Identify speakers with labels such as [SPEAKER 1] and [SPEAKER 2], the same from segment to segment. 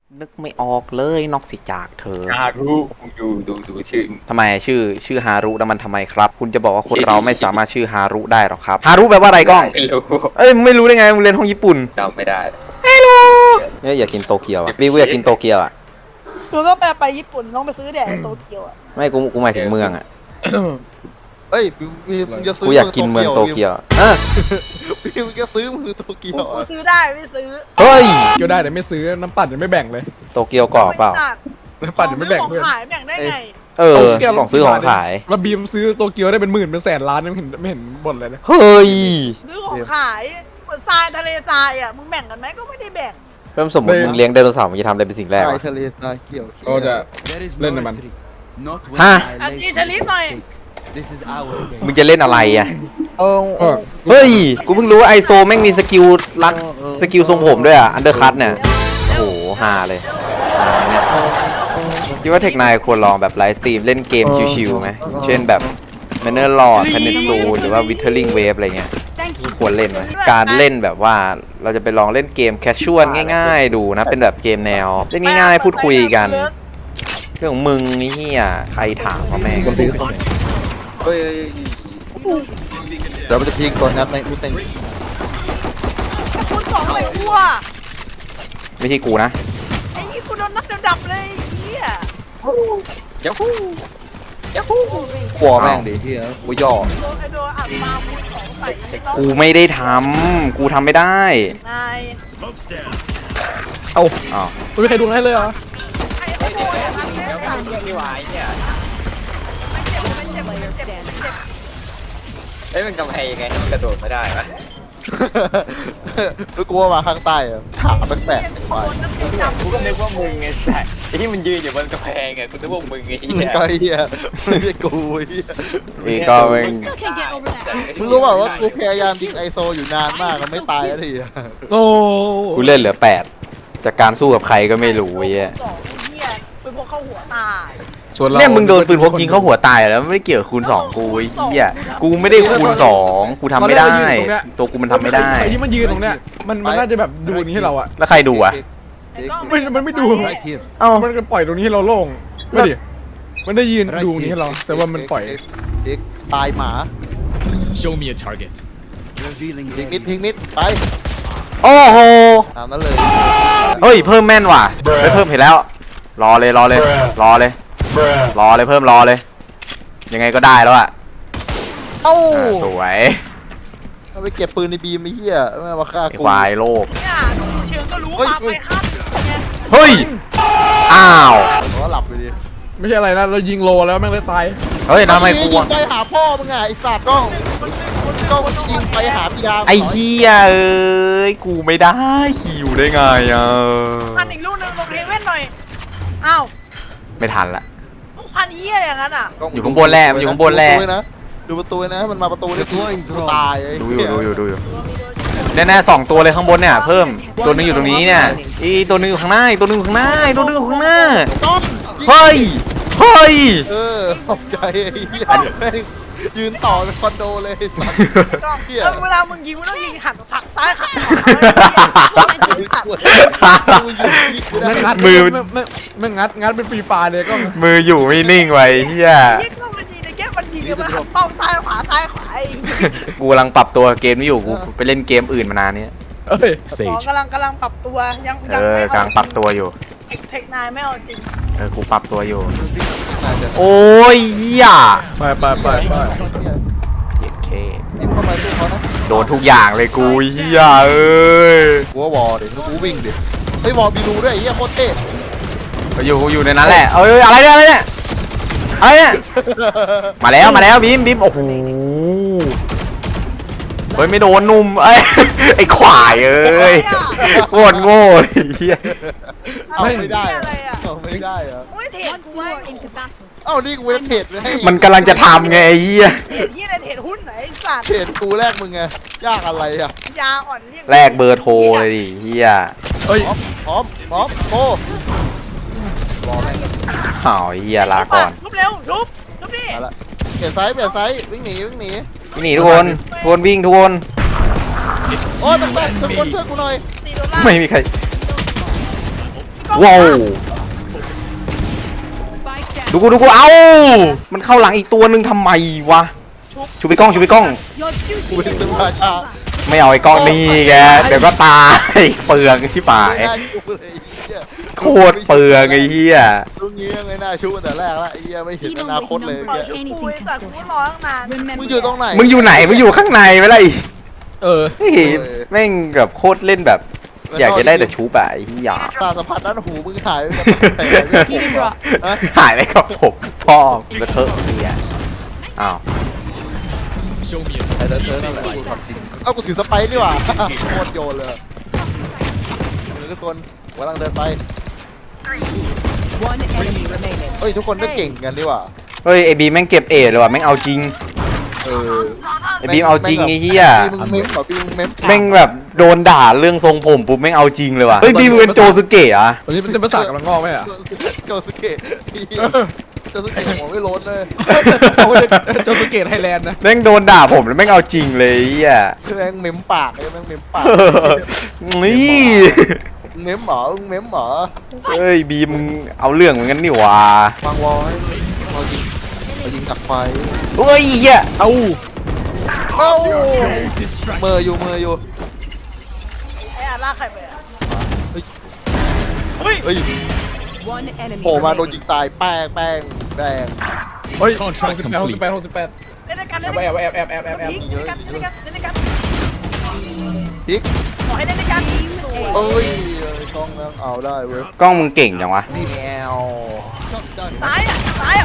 [SPEAKER 1] นึกไม่ออกเลยนอกจากเธอ
[SPEAKER 2] ฮารุดูชื่อ
[SPEAKER 1] ทำไมชื่อฮารุแล้วมันทำไมครับคุณจะบอกว่าคนเราไม่สามารถชื่อฮารุได้หรอครับฮารุแปลว่าอะไรก้อง
[SPEAKER 2] ไม่รู้
[SPEAKER 1] เอ้ยมึงไม่รู้ได้ไงมึงเรียนห้องญี่ปุ่น
[SPEAKER 2] จำไม่ได้
[SPEAKER 1] เนี่ยอยากกินโตเกียวอ่ะวิวอยากกินโตเกียวอ่ะ
[SPEAKER 3] กูก็ไปญี่ปุ่นต้องไปซื้อแดดโตเกียวอ่ะ
[SPEAKER 1] ไม่กูหมายถึงเมืองอ่ะ
[SPEAKER 4] เฮ้ยมึงจะซื้อ
[SPEAKER 1] กูอยากกินเมืองโตเกียว
[SPEAKER 4] มึงจะซื้อมือโตเกียว
[SPEAKER 3] กูซื้อได้ไม่ซื้อ
[SPEAKER 1] เฮ้ย
[SPEAKER 5] เกียวได้แต่ไม่ซื้อน้ำปั่นยังไม่แบ่งเลย
[SPEAKER 1] โตเกียวกรอบเปล่า
[SPEAKER 5] น้ำปั่นยังไม่แบ่ง
[SPEAKER 3] ของ
[SPEAKER 5] เพื่อน
[SPEAKER 3] ขายแบ่งได้ไง
[SPEAKER 1] ของซื้อของขาย
[SPEAKER 5] แล้วบีมซื้อโตเกียวได้เป็นหมื่นเป็นแสนล้านไม่เห็นบ่นเลยนะ
[SPEAKER 1] เฮ้ย
[SPEAKER 3] ซื้อของขายเหมือนทรายทะเลทรายอ่ะมึงแบ่งกันไหมก็ไม่ได้แบ่ง
[SPEAKER 1] เพิ่มสมมติมึงเลี้ยงไดโนเสาร์มึงจะทำอะไรเป็นสิ่งแรก
[SPEAKER 4] ทรา
[SPEAKER 1] วะ
[SPEAKER 4] ยทะเลทรายเกี่ยว
[SPEAKER 5] ก็จะเล่นในมัน
[SPEAKER 1] ฮะ
[SPEAKER 3] อันนี้ชลิปหน่อย
[SPEAKER 1] มึงจะเล่นอะไรอ่ะ
[SPEAKER 4] เออ
[SPEAKER 1] เฮ้ยกูเพิ่งรู้ว่าไอโซแม่งมีสกิลรัดสกิลทรงผมด้วยอ่ะอันเดอร์คัตเนี่ยโอ้โหฮาเลยเนี่ยคิดว่าเทคนายควรลองแบบไลฟ์สตรีมเล่นเกมชิวๆไหมเช่นแบบแมนเนอร์ลอร์ดแพนเนซูหรือว่าวิเทอร์ลิงเวฟอะไรเงี้ยควรเล่นไหมการเล่นแบบว่าเราจะไปลองเล่นเกมแคชชวลง่ายๆดูนะเป็นแบบเกมแนวเล่นง่ายๆพูดคุยกันเรื่องของมึงนี่เฮียใครถามว่าแม่ง
[SPEAKER 2] เฮ้ย
[SPEAKER 4] เดี๋ยวมันจะทิ้งตัวนัดในอุตเต็ง
[SPEAKER 3] คุณสองเลยกูอ่ะ
[SPEAKER 1] ไม่ใช่กูนะ
[SPEAKER 3] ไอ้นี่กูโดนนัดดับเลยเฮีย
[SPEAKER 2] ยักฮูยักฮู
[SPEAKER 4] กลัวแม่งดิเฮียกูย่อ
[SPEAKER 3] ไอ้โดนอัดมาคุณสองใส่
[SPEAKER 1] กูไม่ได้ทำกูทำไม่ได้
[SPEAKER 3] นาย
[SPEAKER 5] เอ้า
[SPEAKER 1] อ้าว
[SPEAKER 5] ไม่มีใครดูให้เลยเหรอ
[SPEAKER 3] ไอ้โดนอัดแม่
[SPEAKER 2] แล้ว
[SPEAKER 3] สั่ง
[SPEAKER 2] เรื่องที่วายเนี่ย
[SPEAKER 3] ไม่เจ็บ
[SPEAKER 2] เอ้ยมันกำแพงยังไงมันกระโดดไม่ได้ปะ
[SPEAKER 4] กูกลัวมาข้างใต้อะถามแปลกๆไป
[SPEAKER 2] กูก็นึกว่ามึงไงแต่ไอ้ที่มันยืนอยู่บนกำแพงไงกูนึกว่ามึงไงเหี้ย
[SPEAKER 4] ก็เฮียไม่ใช่กูเฮีย
[SPEAKER 1] นี่ก็แม่ง
[SPEAKER 4] มึงรู้เปล่าว่ากูพยายามยิงไอโซอยู่นานมากมันไม่ตายสักทีอะ
[SPEAKER 5] โอ้
[SPEAKER 1] กูเล่นเหลือ8จากการสู้กับใครก็ไม่รู้ไอ้เหี้ย
[SPEAKER 3] สองเฮียเป็นพวกเข้าหัวตาย
[SPEAKER 5] ส่วนเรา
[SPEAKER 1] เนี่ยมึงโดนปืนพกยิงเข้าหัวตายแล้วไม่ได้เกี่ยวกับคูณ2กูไอ้เหี้ยกูไม่ได้คูณ2กูทำไม่ได้ ตัวกูมันทำไม่ได้
[SPEAKER 5] ไอ้ที่มันยืนตรงเนี้ยมันน่าจะแบบดูนี้ให้เราอะ
[SPEAKER 1] แล้วใครดูอ่ะ
[SPEAKER 5] มันไม่ดู
[SPEAKER 1] เอ้า
[SPEAKER 5] มันก็ปล่อยตรงนี้ให้เราโล่งไม่ดิมันได้ยืนดูนี้ให้เรา แต่ว่ามันปล่อย
[SPEAKER 4] เด็กตายหมา
[SPEAKER 6] Show me a target.
[SPEAKER 4] พิงมิดไป
[SPEAKER 1] โอ้โห
[SPEAKER 4] ตามนั้นเลย
[SPEAKER 1] เฮ้ยเพิ่มแม่นว่ะไปเพิ่มเห็นแล้ว รอเลยเพิ่มรอเลย ยังไงก็ได้แล้วอ่ะ
[SPEAKER 4] เอ้า
[SPEAKER 1] สวย
[SPEAKER 4] เอาไปเก็บปืนในบีมไอ้เหี้ยไม่มาฆ่า
[SPEAKER 1] ไอ้
[SPEAKER 4] กู
[SPEAKER 1] ควายโลภ
[SPEAKER 3] เนี่ยดูเชิงก็รู้ปาไปข้ามไง
[SPEAKER 1] เฮ้ยอ้าว
[SPEAKER 4] เพราะว่าหลับไปดิ
[SPEAKER 5] ไม่ใช่อะไรนะเรายิงโลแล้วแม่งเลยตาย
[SPEAKER 1] เฮ้ยทำไมกู
[SPEAKER 4] ยิงไปหาพ่อมึงไงไอ้สัตว์กล้องยิงไปหาพี่ดาว
[SPEAKER 1] ไอ้เหี้ยเอ้ยกูไม่ได้คิวได้ไงอ่ะ
[SPEAKER 3] พันอีกลูกนึงลงเฮเว่นหน่อยอ้าว
[SPEAKER 1] ไม่ทันละ
[SPEAKER 3] ต้องพันเฮียอย่างนั้นอ่ะ
[SPEAKER 1] อยู่ข้างบนแหละมันอยู่ข้างบนแหละ
[SPEAKER 4] ดูประตูนะมันมาประตูนี่กูตาย
[SPEAKER 1] ดูอยู่แน่ๆ2ตัวเลยข้างบนเนี่ยเพิ่มตัวนึงอยู่ตรงนี้เนี่ยอีตัวนึงอยู่ข้างหน้าอีกตัวนึงอยู่ข้างหน้าอีกตัวนึงอยู่ข้างหน้า
[SPEAKER 4] ต้อม
[SPEAKER 1] เฮ้ย
[SPEAKER 4] ขอบใจไอ้เหี้ยยืนต่อเป็นคอนโดเลยสัตว์
[SPEAKER 3] แล้วเวลามึงยิงมึงต้องยิงหันผักซ้ายหันขวา
[SPEAKER 5] แม่งงัด
[SPEAKER 1] มือ
[SPEAKER 5] แม่งงัดเป็นปีปลาเลยก็
[SPEAKER 1] มืออยู่ไม่นิ่งไว้เฮีย
[SPEAKER 3] ยิงก็มันยิงในแก้มันยิงกันมันหันเป้าซ้ายขวาซ้ายขวาไอ้
[SPEAKER 1] กูกำลังปรับตัวเกมนี้อยู่กูไปเล่นเกมอื่นมานานเนี้ย
[SPEAKER 5] เอ้ย
[SPEAKER 3] หมอกำลังปรับตัวยัง
[SPEAKER 1] กำลังปรับตัวอยู่
[SPEAKER 3] เทคนายไม่เอาจริง
[SPEAKER 1] กูปรับตัวอยู่
[SPEAKER 4] น่าจะ
[SPEAKER 1] โอ้ยเฮีย
[SPEAKER 5] ไป
[SPEAKER 1] โอเค
[SPEAKER 4] นี่เข้ามาสู้เขานะ
[SPEAKER 1] โดนทุกอย่างเลยกูเฮียเอ้ย
[SPEAKER 4] กูว่าวอลดิกูวิ่งดิไอ้วอลมีรูด้วยไอ้เหี้ยโคตรเท่
[SPEAKER 1] อยู่ในนั้นแหละเอ้ยอะไรเนี่ยมาแล้วบีมโอ้โหเฮ้ยไม่โดนนุ่มไอ้ขวายเอ้ยโคตรโง่เฮีย
[SPEAKER 4] เอาไม่ได้
[SPEAKER 3] อะไรอ่ะ
[SPEAKER 4] เอาไม่ได้เหรอ
[SPEAKER 3] อุ้ยเทรดกูไว้
[SPEAKER 4] เอ้านี่กูจะเทรดไว้ให้
[SPEAKER 1] มันกำลังจะทำไงไอ้เฮีย
[SPEAKER 3] เทรดยี่อะไรเทรดหุ้นไหนสัตว์
[SPEAKER 4] เทรดกูแรกมึงไงยากอะไรอ่ะ
[SPEAKER 3] ยาอ่อนเรียก
[SPEAKER 1] แลกเบอร์โทรเลยดิเฮีย
[SPEAKER 5] เอ้ย
[SPEAKER 4] พร้อมโอ้รอแม่ง
[SPEAKER 1] อ้าวเฮียลาก่อน
[SPEAKER 3] ทุบเร็วทุบดิ
[SPEAKER 4] มาละเปลี่ยนไซส์วิ่งหนี
[SPEAKER 1] หนีทุกคนวิ่งทุกคน
[SPEAKER 4] โอ้ยมันตกทุกคนช่วยกูหน่อย
[SPEAKER 3] 4 ดอลลาร์
[SPEAKER 1] ไม่มีใครว้าวดูกูเอ้ามันเข้าหลังอีกตัวหนึ่งทำไมวะชูไปกล้อง
[SPEAKER 4] กูเป็นตึงราชา
[SPEAKER 1] ไม่เอาไอ้กล้องนี่แกเดี๋ยวก็ตายเปลืองชิบหาย
[SPEAKER 4] ไม่น่าชูเลยไอ้เหี้ย
[SPEAKER 1] โคตรเปลืองไอ้เหี้ย
[SPEAKER 4] ตรงนี้ยังไม่น่าชูตั้งแต่แรกละไอ้เหี้ยไม่เห็นอนาคตเลย
[SPEAKER 3] ปล่อย
[SPEAKER 4] เนี่ย
[SPEAKER 3] ชุบกูไอ้สัตว์กูรอตั้งนาน
[SPEAKER 4] มึงอยู่ตรงไหน
[SPEAKER 1] มึงอยู่ไหนมึงอยู่ข้างในไหมล่ะไอ้
[SPEAKER 5] เออ
[SPEAKER 1] เฮ้ยแม่งแบบโคตรเล่นแบบ อยากจะได้แต่ชูปะไอ้เหี้ย
[SPEAKER 4] ตาสัมผัสด้านหูมึงหายไปกับฮะ
[SPEAKER 1] หายไปกับผมพ่อแล้วเถอะเหี้ยอ้าว
[SPEAKER 6] Show me a
[SPEAKER 4] ไอ้เธอนั่นแหละกูทำจริงเอ้ากูถือสไปร์นี่หว่าโคตรโยนเลยทุกคนกำลังเดินไปเฮ้ยทุกคนก็เก่งกันดีว่า
[SPEAKER 1] เฮ้ยไอ้บีแม่งเก็บเอเลยว่ะแม่งเอาจริง
[SPEAKER 4] เออ
[SPEAKER 1] ไอ้บีมเอาจริงไอ้เหี้ย
[SPEAKER 4] ปีมึงเม้มเหรอปีมึงเม้ม
[SPEAKER 1] แม่งแบบโดนด่าเรื่องทรงผมปุ๊บแม่งเอาจริงเลยว่ะเฮ้ยบีมเป็นโจซึเกะเหรอ่ะ
[SPEAKER 5] ตอนนี้เป็นเส้นประสาทกำลังงอกไหมอ่ะ
[SPEAKER 4] โจสเกะโจสเกะหัวไม่ล้นเลย
[SPEAKER 5] โจสุเกตไทยแลนด์นะ
[SPEAKER 1] แม่งโดนด่าผมแล้วแม่งเอาจริงเลยไอ้เหี้ย
[SPEAKER 4] แม่งเม้มปากไอ้แม่งเม้มปาก
[SPEAKER 1] นี่
[SPEAKER 4] เม้มหมอเม้มหมอ
[SPEAKER 1] เฮ้ยบีมมึงเอาเรื่องเหมือนกันนี่หว่ะ
[SPEAKER 4] วางวอลให้เรายิงตักไฟ
[SPEAKER 1] เฮ้ยเหี้ย
[SPEAKER 5] เอ้า
[SPEAKER 4] เอ้า
[SPEAKER 6] distraction.
[SPEAKER 4] เมออยู่
[SPEAKER 3] ไอ้อาล่าใครไปอ่ะ
[SPEAKER 4] เฮ้ยโผล่มาโดนยิงตายแป้งแดง
[SPEAKER 5] เฮ้ย
[SPEAKER 6] Contract
[SPEAKER 5] 68
[SPEAKER 6] complete
[SPEAKER 3] เล่นด้วยกัน
[SPEAKER 5] แอ
[SPEAKER 3] เล่น
[SPEAKER 5] บ
[SPEAKER 3] ด้วย
[SPEAKER 5] แอบ
[SPEAKER 3] กัน
[SPEAKER 5] แอบแอบแอบแอบ
[SPEAKER 3] พีคเล่นด้วยกันเล่นด้วยกันเล่นด้วยกัน
[SPEAKER 4] พลิก
[SPEAKER 3] ขอให้เล่นด้วยกัน
[SPEAKER 4] เอ้ยกล้องนั่งเอาได้เว้ย
[SPEAKER 1] กล้องมึงเก่งจังวะ
[SPEAKER 4] แมว
[SPEAKER 3] ซ้ายอ่ะซ้ายอ่ะ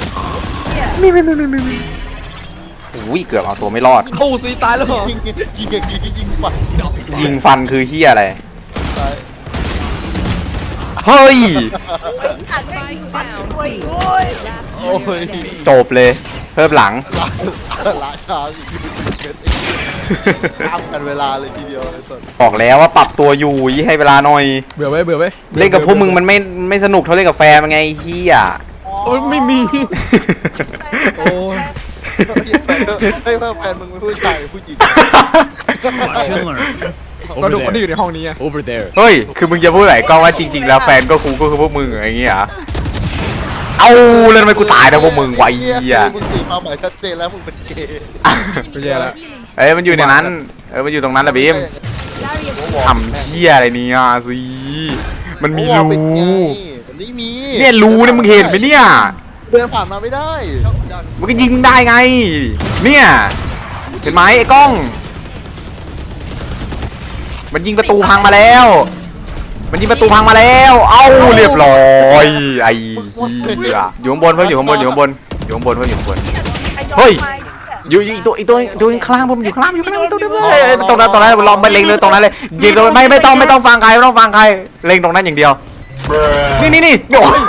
[SPEAKER 1] อุ้ยเกือบเอาตัวไม่รอด
[SPEAKER 5] โอ้ซีตายแล้วเหรอ
[SPEAKER 4] ยิงฝัน
[SPEAKER 1] ยิงฟันคือเหี้ยอะไร
[SPEAKER 4] ตาย
[SPEAKER 1] เฮ้ย
[SPEAKER 3] อัดไม่ยิงฟันด้วยโอ้ย
[SPEAKER 4] โอ้ย
[SPEAKER 1] จบเลย เพิ่มหลัง
[SPEAKER 4] ละชาอีกข้ามกันเวลาเลยทีเดียวเลยสุด
[SPEAKER 1] บอกแล้วว่าปรับตัวอยู่ยี่ให้เวลาหน่อย
[SPEAKER 5] เบื่อไว้เบื่อไว้
[SPEAKER 1] เล่นกับพวกมึงมันไม่สนุกเท่าเล่นกับแฟนมันไงไอ้เฮีย
[SPEAKER 5] โอ้ยไม่มี โอ้ย
[SPEAKER 4] ให้เพิ่มแฟนมึงเป็นผู้ชายหรือผู้หญิง
[SPEAKER 6] Watch and learn.
[SPEAKER 5] ก็ดู
[SPEAKER 6] Over
[SPEAKER 5] คนที่อยู่
[SPEAKER 6] there.
[SPEAKER 5] ในห้องนี้ไง
[SPEAKER 6] Over there.
[SPEAKER 1] เฮ้ย คือมึงจะพูดไหนกล้องว่าจริง ๆ แล้วแฟนก็คือพวกมึงอะไรอย่างเงี้ยเหรอเอาแล้วทำไมกูตายนะพวกมึงไวะไอ้เฮีย
[SPEAKER 4] มึงสีความหมายชัดเจนแล้วมึงเป็นเกย์
[SPEAKER 5] ไม่แย่แล้ว
[SPEAKER 1] เอ้ยมันอยู่ในนั้นมันอยู่ตรงนั้นแหละบีมทำเฮียอะไรเนี่ยสิมันมีรู
[SPEAKER 4] มันไม่มี
[SPEAKER 1] เนี่ยรูเนี่ยมึงเห็นไหมเนี่ย
[SPEAKER 4] เดินผ่านมาไม่ได้
[SPEAKER 1] มันก็ยิงได้ไง เนี่ยเห็นไหมไอ้กล้อง มันยิงประตูพังมาแล้ว มันยิงประตูพังมาแล้ว เอ้าเรียบร้อยไอ้เหี้ยอยู่ข้างบนเพิ่มอยู่ข้างบนอยู่ข้างบนอยู่ข้างบนเพิ่มอยู่ข้างบน เฮ้ย อยู่อีกตัวข้างล่างผมอยู่ข้างล่างอยู่ข้างล่างตัวเดียวเลยตรงนั้นลองไปเล็งเลยตรงนั้นเลยยิงตรงไม่ต้องฟังใครไม่ต้องฟังใครเล็งตรงนั้นอย่างเดียวนี่โอ้ย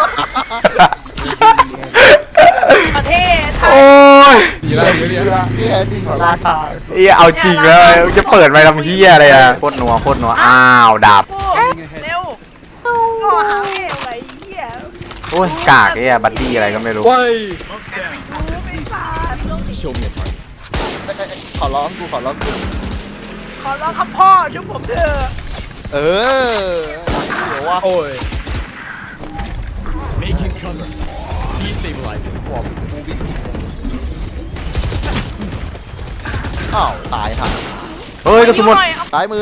[SPEAKER 3] ประเทศไท
[SPEAKER 1] โอ้
[SPEAKER 3] ย
[SPEAKER 1] ย
[SPEAKER 5] ดีแล้วดีแล้ว
[SPEAKER 4] ที่แท้จริงของราชา
[SPEAKER 1] เหี้ยเอาจริงแล้วจะเปิดไปทำเหี้ยอะไรอะโคตรนัวอ้าวดับ
[SPEAKER 3] เร็วก็หาเอวไอ้เหี้ย
[SPEAKER 1] โอ้ยกากไอ้บัดดี้อะไรก็ไม่รู้
[SPEAKER 5] เว้ย
[SPEAKER 3] รู้ไม่สาด
[SPEAKER 6] Show me a target.
[SPEAKER 4] ขอร้องกู
[SPEAKER 3] ขอร้องครับพ่อช่วยผมเถอะ
[SPEAKER 4] เออเดี๋ยวว่า
[SPEAKER 5] โอ้ย
[SPEAKER 6] Making cover. Destabilizing.
[SPEAKER 4] บอกกูบินอ้าวตายห่า
[SPEAKER 1] เฮ้ยกระสุนหมด
[SPEAKER 4] ซ้ายมือ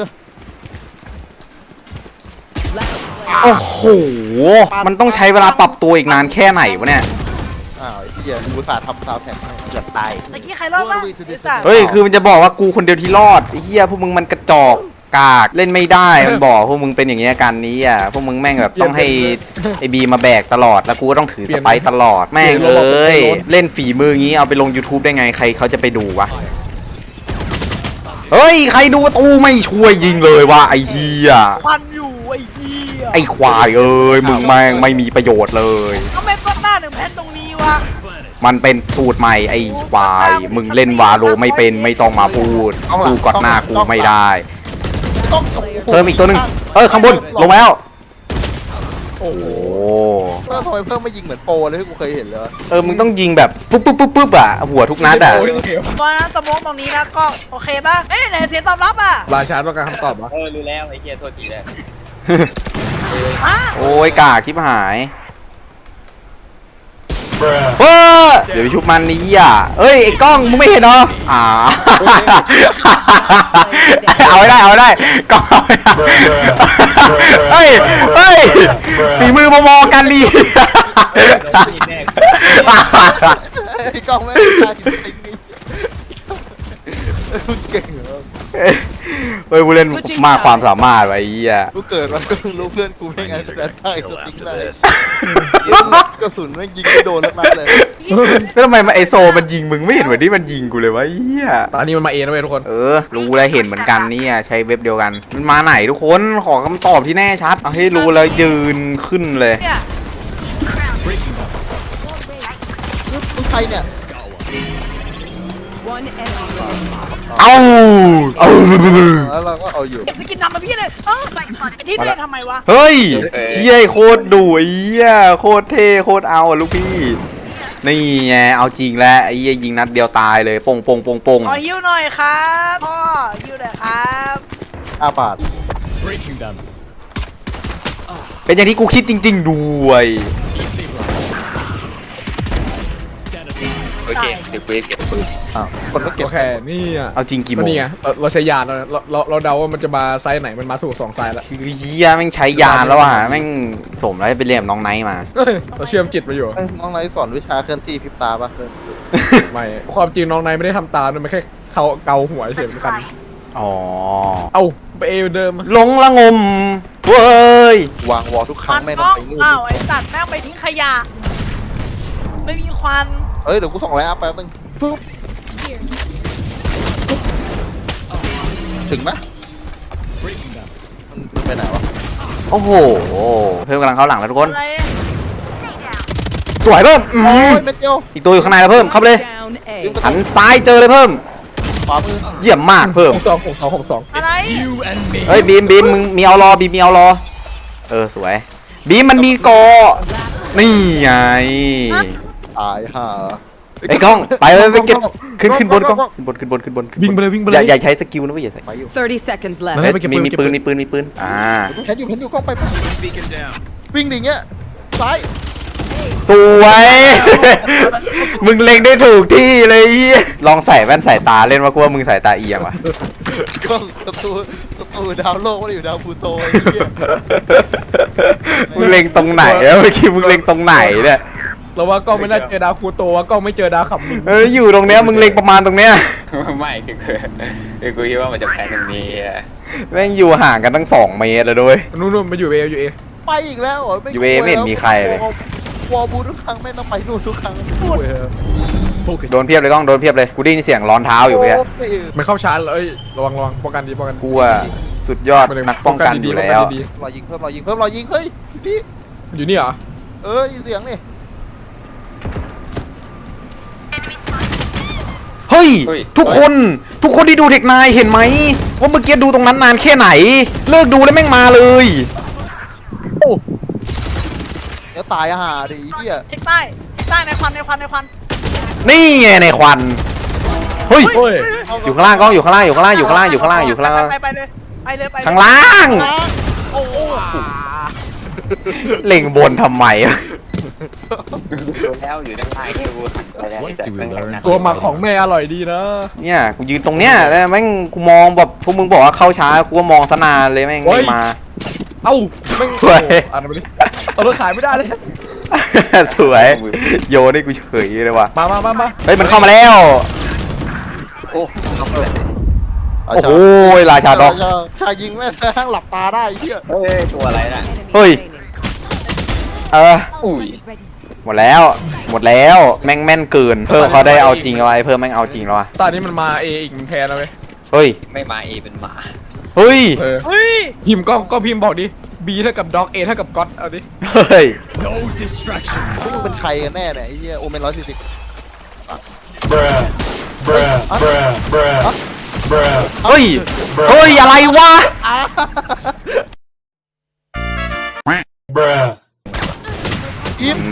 [SPEAKER 1] โอ้โหมันต้องใช้เวลาปรับตัวอีกนานแค่ไหนวะเนี่ย
[SPEAKER 4] อ้าวไอ้เหี้ยกูอุตสาห์ทำซาวด์แท็กให้เกือบตาย
[SPEAKER 3] เมื่อกี้ใครรอดบ้างไอ้สัตว์
[SPEAKER 1] เฮ้ยคือมันจะบอกว่ากูคนเดียวที่รอดไอ้เหี้ยพวกมึงมันกระจอกกากเล่นไม่ได้มันบอกพวกมึงเป็นอย่างเงี้ยกันนี้อ่ะพวกมึงแม่งแบบต้องให้ไอ้บีมาแบกตลอดแล้วกูก็ต้องถือสไปร์ตลอดแม่งเอ้ยเล่นฝีมืองี้เอาไปลง YouTube ได้ไงใครเขาจะไปดูวะเฮ้ยใครดูประตูไม่ช่วยยิงเลยวะไอ้เหี้ย
[SPEAKER 3] ควันอยู่ไอ้เหี้ย
[SPEAKER 1] ไอ้ควายเอ้ยมึงแม่งไม่มีประโยชน์เลย
[SPEAKER 3] ทำไมเปิดหน้าหนึ่งแผ่นตรงนี้วะ
[SPEAKER 1] มันเป็นสูตรใหม่ไอ้ควายมึงเล่นวาโลไม่เป็นไม่ต้องมาพูดสู้กอดหน้ากูไม่ได้
[SPEAKER 4] ต้อง
[SPEAKER 1] เพิ่มอีกตัวหนึ่งข้างบนลงมาแล้วโอ้โห
[SPEAKER 4] เพิ่มทำไมเพิ่มไม่ยิงเหมือนโปรเลยที่กูเคยเห็นเลย
[SPEAKER 1] มึงต้องยิงแบบปุ๊บอ่ะหัวทุกนัดอ่ะ
[SPEAKER 3] ตอนนั้นสมองตรงนี้นะก็โอเคป่ะเอ้ยไหนเสียงตอบรับอ่ะ
[SPEAKER 5] ราชาต้องการคำตอบวะ
[SPEAKER 2] รู้แล้วไอ้เหี้ยโทษทีเลย
[SPEAKER 3] ฮะ
[SPEAKER 1] โอ้ยกากชิบหายเฮ้ยเดี๋ยวไปชุบมันนี่อ่ะเอ้ยไอ้กล้องมึงไม่เห็นเหรอเอาไม่ได้เอาไม่ได้กล้องเอาไม่ได้เฮ้ยเฮ้ยฝีมือมอๆกันดี
[SPEAKER 4] ไอ้กล้องไม่ได้ตายจริงๆมึงเก่งเหรอ
[SPEAKER 1] เฮ้ยผู้เล่นมากความสามารถไว้เหี้ย
[SPEAKER 4] กูเกิดมาก็เพิ่งรู้เพื่อนกูไม่ไงสแตนได้สติ๊กได้กระสุนแม่งยิงไม่โดนแล้วนัดเลย
[SPEAKER 1] แล้วทำไมไอโซมันยิงมึงไม่เห็นเหมือนที่มันยิงกูเลยวะเหี้ย
[SPEAKER 5] ตอนนี้มันมาเองนะเว้ยทุกคน
[SPEAKER 1] รู้แล้วเห็นเหมือนกันเนี่ยใช้เว็บเดียวกันมันมาไหนทุกคนขอคำตอบที่แน่ชัดเอาให้รู้แล้วยืนขึ้นเลย
[SPEAKER 3] เนี่ย
[SPEAKER 4] มึงใครเนี่ย
[SPEAKER 1] เอาเอา
[SPEAKER 4] แล้วเราก็เอาอยู่
[SPEAKER 3] เก็บสกินนำมาพี่เลยเอ้าไอ้ที่เล่นทำไมวะ
[SPEAKER 1] เฮ้ยเชี่ยโคตรดุไอ้เหี้ยโคตรเท่โคตรเอาอ่ะลูกพี่นี่ไงเอาจริงแล้วไอ้เหี้ยยิงนัดเดียวตายเลยปงปงปงปง
[SPEAKER 3] ขอฮิวหน่อยครับพ่อฮิวหน่อยครับ
[SPEAKER 4] 5 บาท
[SPEAKER 6] Breaking them.
[SPEAKER 1] เป็นอย่างที่กูคิดจริง ๆ ด้วย
[SPEAKER 6] Stand aside.
[SPEAKER 2] โอเคเดี๋ยวกูเก็บปืน
[SPEAKER 4] อ้าวคนก็เก็บ
[SPEAKER 5] โอเคนี่อ่ะ
[SPEAKER 1] เอาจริงกี่โม
[SPEAKER 5] ก็
[SPEAKER 1] ง
[SPEAKER 5] นี่ไงเราใช้ยานเราเดาว่ามันจะมาไซส์ไหนมันมาถูก2ไซส์แล้ว
[SPEAKER 1] คือเหี้ยแม่งใช้ยานแล้วอ่ะแม่งสมแล้วไปเรียนกับน้องไนท์มา
[SPEAKER 5] เฮ้ยเราเชื่อมจิตมาอยู่
[SPEAKER 4] เอ้ยน้องไนท์สอนวิชาเคลื่อนที่พริบตาปะเพื่อน
[SPEAKER 5] ไม่ความจริงน้องนายไม่ได้ทำตามมันแค่เกาหัวเฉยๆเหมือนกัน
[SPEAKER 1] อ๋อ
[SPEAKER 5] เอาไปเอเดิม
[SPEAKER 1] หลงละงมเว้ยว
[SPEAKER 4] างวอลทุกครั้
[SPEAKER 3] ค
[SPEAKER 4] ง
[SPEAKER 3] วัน
[SPEAKER 4] ไม่
[SPEAKER 3] ก
[SPEAKER 4] ต้
[SPEAKER 3] ล้
[SPEAKER 4] อ
[SPEAKER 3] อง ง
[SPEAKER 4] ไปนู่น
[SPEAKER 3] อ้าวไอ้สัตว์แม่งไปทิ้งขยะ ไม่มีควัน
[SPEAKER 4] เอ้ยเดี๋ยวกูส่งไลน์อัพแป๊บนึงฟึ๊บถึงไหม
[SPEAKER 6] Breaking them.
[SPEAKER 4] มันไปไหนวะ
[SPEAKER 1] โอ้โหเพิ่มกำลังเข้าหลังแล้วทุกคน
[SPEAKER 3] อะไร
[SPEAKER 1] สวยเพิ่ม
[SPEAKER 4] โอ้ยเม็ดเดียว
[SPEAKER 1] อีกตัวอยู่ข้างในแล้วเพิ่มเข้าไปเลย
[SPEAKER 4] ยิงไป
[SPEAKER 1] หันซ้ายเจอเลยเพิ่ม
[SPEAKER 4] ขวามือ
[SPEAKER 1] เยี่ยมมากเพิ่ม
[SPEAKER 5] 62
[SPEAKER 3] อะไร
[SPEAKER 6] You and me.
[SPEAKER 1] เฮ้ยบีมมึงมีเอารอบีมมีเอารอสวยบีมมันมีกอนี่ไง
[SPEAKER 4] ตายห่า
[SPEAKER 1] ไอ้กล้องไปไปเก็บขึ้นบนกล้องขึ้นบน
[SPEAKER 5] วิ่งไปเลยวิ่งไป
[SPEAKER 1] อ
[SPEAKER 5] เลย
[SPEAKER 1] ย่าใช้สกิลนะเว้ยอย่าใส่
[SPEAKER 4] ไปอยู่
[SPEAKER 7] 30 seconds
[SPEAKER 5] เฮ้
[SPEAKER 7] left.
[SPEAKER 5] ย ไปเก็บปืน
[SPEAKER 1] มีปืน
[SPEAKER 4] เห็นอยู่กล้องไป
[SPEAKER 6] Beacon down.
[SPEAKER 4] วิ่งดิเงี้ยซ้าย
[SPEAKER 1] สวยมึงเล็งได้ถูกที่เลยลองใส่แว่นสายตาเล่นว่ากูว่ามึงสายตาเอียงว่ะ
[SPEAKER 4] กล้องประตูดาวโลกไม่ได้อยู่ดาวพลูโตไอ้เหี้ย
[SPEAKER 1] มึงเล็งตรงไหนเมื่อกี้มึงเล็งตรงไหนเนี่ย
[SPEAKER 5] เราว่ากล้องไม่น่าเจอดาวคูโตว่ากล้องไม่เจอดาวขับมิน
[SPEAKER 1] อยู่ตรงเนี้ยมึงเล็งประมาณตรงเนี้ย
[SPEAKER 2] ไม่คือกูคิดว่ามันจะแพ้ตรงนี้อะ
[SPEAKER 1] แม่งอยู่ห่างกันตั้ง2 เมตรเลยด้วย
[SPEAKER 5] นู่นมาอยู่เออยู่เอ
[SPEAKER 4] ไปอีกแล้วเหรอ
[SPEAKER 1] ยูเอไม่เห็นมีใครเลยว
[SPEAKER 4] อลบูทุกครั้งไม่ต้องไปนู่นทุกครั้งพูด
[SPEAKER 6] Focus.
[SPEAKER 1] โดนเพียบเลยกล้องโดนเพียบเลยกูได้ยินเสียงร้อนเท้าอยู่เมื่อกี้
[SPEAKER 5] มันเข้าชาร์จเลยระวังป้องกันดีป้องกัน
[SPEAKER 1] กูอะสุดยอดนักป้องกันอยู่แล้ว
[SPEAKER 5] ดี
[SPEAKER 4] รอยิงเพิ่มเฮ้ยนี่
[SPEAKER 5] ๆอยู่นี่เหรอ
[SPEAKER 4] ยินเสียงนี่
[SPEAKER 1] เฮ้ยทุกคนที่ดูเทคนายเห็นไหมว่าเมื่อกี้ดูตรงนั้นนานแค่ไหน เลิกดูแล้วแม่งมาเลย
[SPEAKER 4] เดี๋ยวตายห่าดิเหี้ย
[SPEAKER 3] เช็คใต้ในควัน
[SPEAKER 1] นี่ไงในควันเฮ้ย
[SPEAKER 5] โอ้ย
[SPEAKER 1] อยู่ข้างล่างกล้องอยู่ข้างล่าง
[SPEAKER 3] ไปเลย
[SPEAKER 1] ข้างล่าง
[SPEAKER 3] โอ้โห
[SPEAKER 1] เล็งบนทำไม
[SPEAKER 2] ดูแล้วอยู่ด้านล่างที่กูหันไปแล้ว
[SPEAKER 6] What do we learn?
[SPEAKER 5] ตัวหมักของแม่อร่อยดีนะ
[SPEAKER 1] เนี่ยกูยืนตรงเนี้ยแล้วแม่งกูมองแบบพวกมึงบอกว่าเข้าช้ากูก็มองซะนานเลยแม่งไม่มา
[SPEAKER 5] เอ้าไม่
[SPEAKER 1] สวย
[SPEAKER 5] อ่านมาดิเอาเราขายไม่ได้เลย
[SPEAKER 1] สวยโยนให้กูเฉยเลยว่ะ
[SPEAKER 5] มา
[SPEAKER 1] เฮ้ยมันเข้ามาแล้ว
[SPEAKER 2] โอ้เอาเลย
[SPEAKER 1] โอ้โหราชาด็อก
[SPEAKER 4] ชายยิงแม่ทั้งหลับตาได้เหี้ย
[SPEAKER 2] เฮ้ยตัวอะไรน่ะ
[SPEAKER 1] เฮ้ย
[SPEAKER 2] อุ้ย
[SPEAKER 1] หมดแล้วแม่งแม่นเกินเพิ่มเขาได้เอาจริงเอาไว้เพิ่มแม่งเอาจริงแล้ววะ
[SPEAKER 5] ตอนนี้มันมาเออีกมันแพ้แล้วเว้ย
[SPEAKER 1] เฮ้ย
[SPEAKER 2] ไม่มาเอเป็นหมา
[SPEAKER 1] เฮ้ย
[SPEAKER 3] เฮ้ย
[SPEAKER 5] พิมพ์ก็พิมพ์บอกดิ B เท่ากับด็อก A เท่ากับก็อดเอาดิ
[SPEAKER 1] เฮ้ย
[SPEAKER 6] No distraction.
[SPEAKER 4] พวกมึงเป็นใครกันแน่เนี่ยไอ้เหี้ยโอเมน140
[SPEAKER 8] Bruh. Bruh. Bruh. Bruh. Bruh.
[SPEAKER 1] เฮ้ยอะไรวะ
[SPEAKER 8] Bruh.
[SPEAKER 4] อิม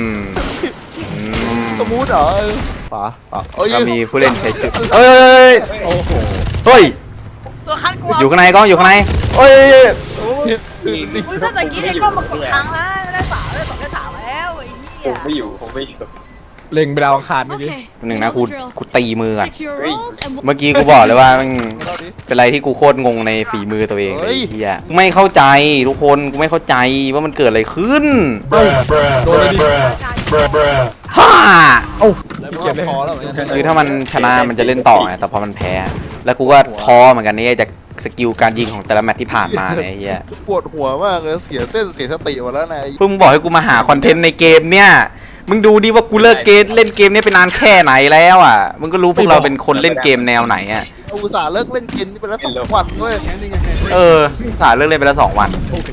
[SPEAKER 4] สมูทเหรอป๋าเอ้ย
[SPEAKER 1] ก็มีผู้เล่นใช้จุดเอ้ย
[SPEAKER 5] โอ้โห
[SPEAKER 1] เฮ้ย
[SPEAKER 3] ตัวคันกู
[SPEAKER 1] อยู่ข้างในกล้องอยู่ข้างในเอ้ย
[SPEAKER 4] โอ้
[SPEAKER 3] มึงถ้าตะกี้ไอ้ก็มากดค้างแล้วไม่ได้3ได้2ได้3แล้วไอ้
[SPEAKER 2] ผ
[SPEAKER 3] เหี้ย
[SPEAKER 2] มไม่อยู่ผมไม่อยู่
[SPEAKER 5] เล็งไปดาวอังคารเมื่อกี้
[SPEAKER 1] หนึ่งนะกูตีมือก่อน
[SPEAKER 7] Stick to your roles and
[SPEAKER 1] เมื่อกี้กูบอกเลยว่ามัน
[SPEAKER 4] เราดิ
[SPEAKER 1] เป็นอะไรที่กูโคตรงงในฝีมือตัวเองเลย
[SPEAKER 4] เฮ้ย
[SPEAKER 1] เฮียกูไม่เข้าใจทุกคนกูไม่เข้าใจว่ามันเกิดอะไรขึ้น
[SPEAKER 8] Bruh, bruh, bruh, bruh, bruh, bruh.
[SPEAKER 1] ฮ่า
[SPEAKER 5] เอ้า
[SPEAKER 4] แล้ว
[SPEAKER 5] เก็บเลย
[SPEAKER 4] พอแล้วเหมือนกัน
[SPEAKER 1] คือถ้ามันชนะมันจะเล่นต่อไงแต่พอมันแพ้ แล้วกูก็ท้อเหมือนกันนี่จากสกิลการยิงของแต่ละแมตช์ที่ผ่านมาเนี่ยไอ้เฮีย
[SPEAKER 4] ปวดหัวมากเลยเสียเส้นเสียสติหมดแล้วนะ
[SPEAKER 1] เพิ่งมึงบอกให้กูมาหาคอนเทนต์ในเกมเนี่ยมึงดูดิว่ากูเลิกเกมเล่นเกมนี้ไปนานแค่ไหนแล้วอ่ะมึงก็รู้พวกเราเป็นคนเล่นเกมแนวไหนอ่ะ
[SPEAKER 4] อุตส่าห์เลิกเล่นเกมนี่ไปแล้ว2 วันด้วย
[SPEAKER 1] สายเลิกเล่นไปแล้ว2 วัน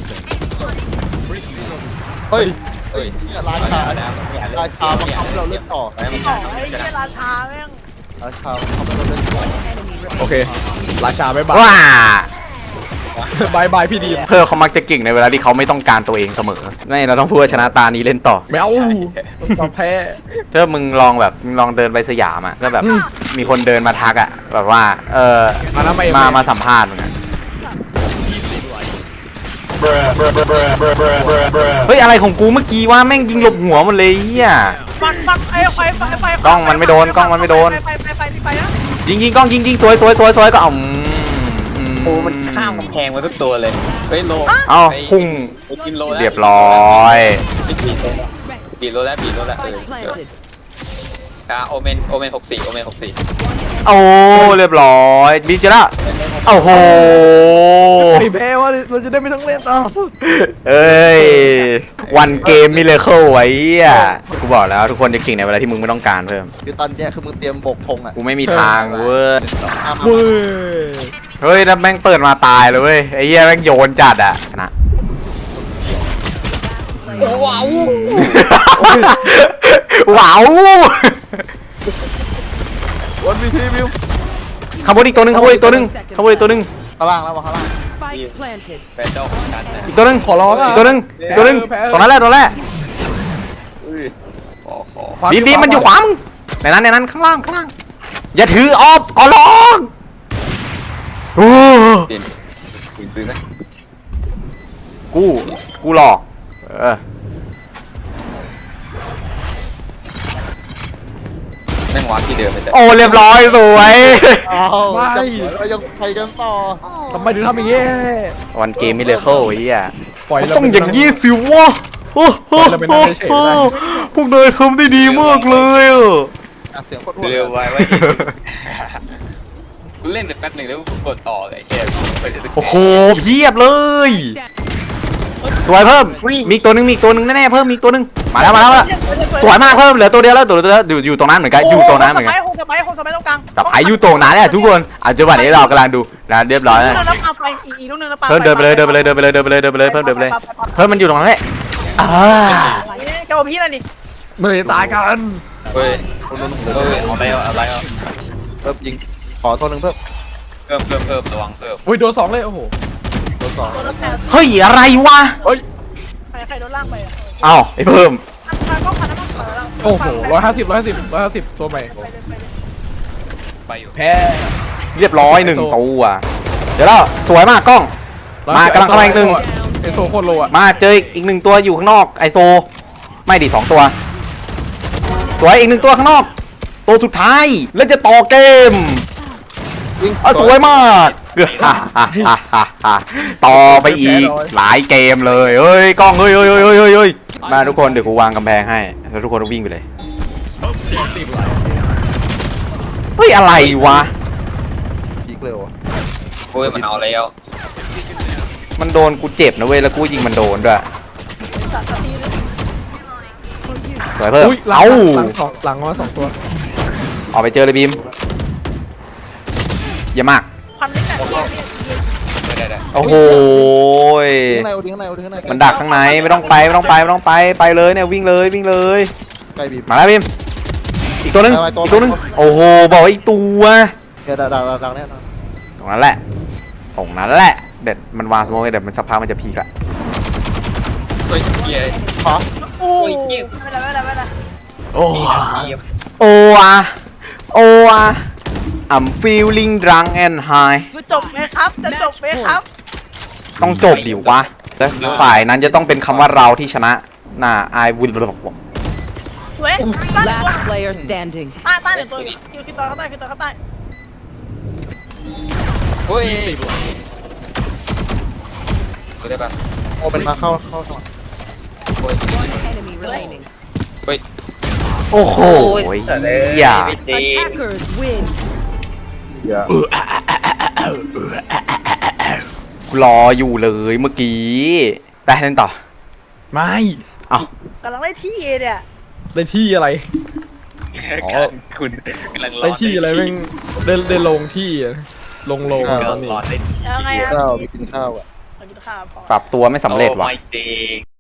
[SPEAKER 4] เฮ้ยเฮ้ยเนี่ยราชาราชาบังคับให้เราเล่นต่อ
[SPEAKER 3] ไอ้เหี้ยราชาแม่ง
[SPEAKER 4] ราชาบังคับให้เราเล่นต่อ
[SPEAKER 5] โอเค ราชาบ๊ายบาย
[SPEAKER 1] ว้า
[SPEAKER 5] บายบายพี่ดีม
[SPEAKER 1] เพื่อเขามักจะเก่งในเวลาที่เขาไม่ต้องการตัวเองเสมอไม่เราต้องพูดว่าชนะตานี้เล่นต่อ
[SPEAKER 5] ไม่เอาต้องแพ้
[SPEAKER 1] ถ้ามึงลองแบบมึงลองเดินไปสยามอ่ะก็แบบมีคนเดินมาทักอ่ะแบบว่า
[SPEAKER 5] มาแล้ว
[SPEAKER 1] มาสัมภาษณ์มึงอะ
[SPEAKER 8] Bruh, bruh, bruh, bruh, bruh, bruh, bruh, bruh.
[SPEAKER 1] เฮ้ยอะไรของกูเมื่อกี้ว่าแม่งยิงหลบหัวหมดเลยเฮีย
[SPEAKER 3] ฟันไอ้ไฟ
[SPEAKER 1] กล้องมันไม่โดนกล้องมันไม่โดน
[SPEAKER 3] ไฟนะ
[SPEAKER 1] ยิงกล้องยิงสวยก็เอา
[SPEAKER 2] โอ้มันข้ามกำแพงมาทุกตัวเลยเฮ้ยโล
[SPEAKER 1] เอาพุ่ง
[SPEAKER 2] ไปกินโลแล้ว
[SPEAKER 1] เรียบร้อย
[SPEAKER 2] ปีโลแล้วโอเมน64โอเมน64
[SPEAKER 1] โอ้เรียบร้อยดีจ้ะละโอ้โห
[SPEAKER 5] ไม่แพ้ว่าเราจะได้ไม่ต้องเล่นต่อ
[SPEAKER 1] เอ้ยวันเกมมิเลเคิลไว้อ่ะกูบอกแล้วทุกคนจะเก่งในเวลาที่มึงไม่ต้องการเพิ่ม
[SPEAKER 4] คือตอนเนี้ยคือมึงเตรียมบกธงอ่ะ
[SPEAKER 1] กูไม่มีทางเว้ย
[SPEAKER 5] เว้ย
[SPEAKER 1] เฮ้ยนั่นแม่งเปิดมาตายเลยเว้ยไอ้เหี้ยแม่งโยนจัดอ่ะชนะ
[SPEAKER 2] ว้าว
[SPEAKER 1] ว้าว
[SPEAKER 4] วันวีทีวิว
[SPEAKER 1] ขบวนอีกตัวหนึงขบวนอีกตัวหนึง
[SPEAKER 4] ข้างล่างแล้ววะข้างล่าง
[SPEAKER 7] spike planted.
[SPEAKER 2] แฟนเจ้าของกันนะ
[SPEAKER 1] อีกตัวหนึง
[SPEAKER 5] ขอร้องอ่ะ
[SPEAKER 1] อีกตัวหนึงอีกตัวหนึงตรงนั้นแหละตรงนั้นแหละ
[SPEAKER 2] ขอ
[SPEAKER 1] ดีมันอยู่ขวามึงในนั้นข้างล่างอย่าถือออฟขอร้องโอ้
[SPEAKER 2] ปืนไหม
[SPEAKER 1] กูหลอก
[SPEAKER 2] แม่งวางที่เดิมเลยแต่
[SPEAKER 1] โอ้เรียบร้อยสวย
[SPEAKER 4] อ้าวเรายังไปกันต่อ
[SPEAKER 5] ทำไมถึงทำอย่างงี้
[SPEAKER 1] วันเกมมิเลเคิลไอ้เหี้ย
[SPEAKER 5] ปล่อยเรา
[SPEAKER 1] ต้องอย่างยี่สิวะโอ้โห
[SPEAKER 5] เราเป็นนักเฉยๆได้
[SPEAKER 1] พวกนายทำได้ดีมากเลยอ่ะ
[SPEAKER 4] เสียงโคตรอ้วน
[SPEAKER 2] เร็วไว้กูเล่นไปแป๊บหนึ่งแล้วกูกดต่อเลยแค่ไปเดี๋ยว
[SPEAKER 1] โอ้โหเพียบเลยสวยเพิ่มมีอีกตัวหนึงแน่ๆเพิ่มมีอีกตัวหนึงมาแล้วสวยมากเพิ่มเหลือตัวเดียวแล้วอยู่ตรงนั้นเหมือนกันอยู่ตรงนั้นเหมือนกัน
[SPEAKER 3] โฮสไปตรงกลาง
[SPEAKER 1] แต่ไออยู่ตรงนั้นแหละทุกคนจังหวะนี้เรากำลังดูนะเรียบร้อยแล้ว
[SPEAKER 3] แล้วปาไฟอีกลูกนึงแล้วปา
[SPEAKER 1] เพิ่มเดินไปเลยเพิ่มเดินไปเลยเพิ่มมันอยู่ตรงนั้นแหละ
[SPEAKER 3] เจ้าพี่นั่นนี่
[SPEAKER 5] ไม่ได้ตายกัน
[SPEAKER 2] เฮ้ยอะไรอ่ะ
[SPEAKER 4] เพิ่มยิงขอตัวหนึ่งเพิ่ม
[SPEAKER 2] เพิ่มระวังเพิ่ม
[SPEAKER 5] อุ้ยโดน2เลยโอ้โห
[SPEAKER 4] ตัวสอง
[SPEAKER 3] ตัวรถแทน
[SPEAKER 1] เฮ้ยอะไรวะ
[SPEAKER 5] เฮ้ย
[SPEAKER 3] ใครโดนล่างไปอ่ะ
[SPEAKER 1] เอ้าไอเพิ่ม
[SPEAKER 3] มันก็พันแล้วมันเปิดแล้ว
[SPEAKER 5] โอ้โห150ตัวใหม่
[SPEAKER 2] ไปอยู่
[SPEAKER 5] แพ้
[SPEAKER 1] เรียบร้อย1ตัวเดี๋ยวแล้วสวยมากกล้องมากำลังเข้ามาอีกหนึ่ง
[SPEAKER 5] ไอโซโคตรโลอ่ะ
[SPEAKER 1] มาเจออีก1ตัวอยู่ข้างนอกไอโซไม่ดิ2ตัวสวยอีก1ตัวข้างนอกตัวสุดท้ายแล้วจะต่อเกม
[SPEAKER 4] ยิง
[SPEAKER 1] สวยมากต่อไปอีกหลายเกมเลยเฮ้ยกล้องเฮ้ยมาทุกคนเดี๋ยวกูวางกำแพงให้แล้วทุกคนวิ่งไปเลยเฮ้ยอะไรวะ
[SPEAKER 4] ยิงเร็ว
[SPEAKER 2] โอ้ยมันเอาแล้ว
[SPEAKER 1] มันโดนกูเจ็บนะเว้ยแล้วกูยิงมันโดนด้วยสวยเพิ่ม
[SPEAKER 5] อุ้ยหลังมา2ตัว
[SPEAKER 1] ออกไปเจอเลยบีมเยี่ยมมาก
[SPEAKER 3] พันลิตร
[SPEAKER 2] ได้
[SPEAKER 1] โอ้โห
[SPEAKER 4] ข้างในข้างใน
[SPEAKER 1] มันดักข้างในไม่ต้องไปไปเลยเนี่ยวิ่งเลย
[SPEAKER 4] ใกล้บีบ
[SPEAKER 1] มาแล้วบีมอีกตัวนึงโอ้โหบอกอีกตัว
[SPEAKER 4] แกดักแน่นอน
[SPEAKER 1] ตรงนั้นแหละเด็ดมันวางสโมกเด็ดมันสักพักมันจะพีกละ
[SPEAKER 2] เฮ้ยเกียร์
[SPEAKER 4] ขอ
[SPEAKER 3] โอ้ยไม่ได้
[SPEAKER 1] โอ้อะ I'm feeling drunk and high
[SPEAKER 3] จบไหมครับจะจบไหมครับ
[SPEAKER 1] ต้องจบดิวะและฝ่ายนั้นจะต้องเป็นคำว่าเราที่ชนะน่าI will
[SPEAKER 3] สวยต้านหนึ่งตัว
[SPEAKER 7] Last player standing.
[SPEAKER 3] ต้านหนึ่งตัวคิวต่อเข้าใต้คิวต่อเข้าใต้
[SPEAKER 2] เฮ้ยกูได้ปะ
[SPEAKER 4] โอ้เป็นมาเข้าสมัคร
[SPEAKER 7] Enemy remaining.
[SPEAKER 1] โอ้โหเหี้ย
[SPEAKER 7] Attackers win.
[SPEAKER 4] อย่าร
[SPEAKER 1] ออยู่เลยเมื่อกี้ไปเล่นต่อ
[SPEAKER 5] ไม่
[SPEAKER 1] เอ้าก
[SPEAKER 3] ำลังได้ที่เนี่ย
[SPEAKER 5] ได้ที่อะไร
[SPEAKER 2] คุณกำลังรอ
[SPEAKER 5] ได้ที่อะไรแม่งได้ลงที่อะลงตอนนี้
[SPEAKER 2] รอได้
[SPEAKER 3] ยังไงอะ
[SPEAKER 4] ข้าวมีกินข้าวอ่ะ
[SPEAKER 3] มากินข้าวพอ
[SPEAKER 1] ปรับตัวไม่สำเร็จว่ะ
[SPEAKER 2] โอ้ my day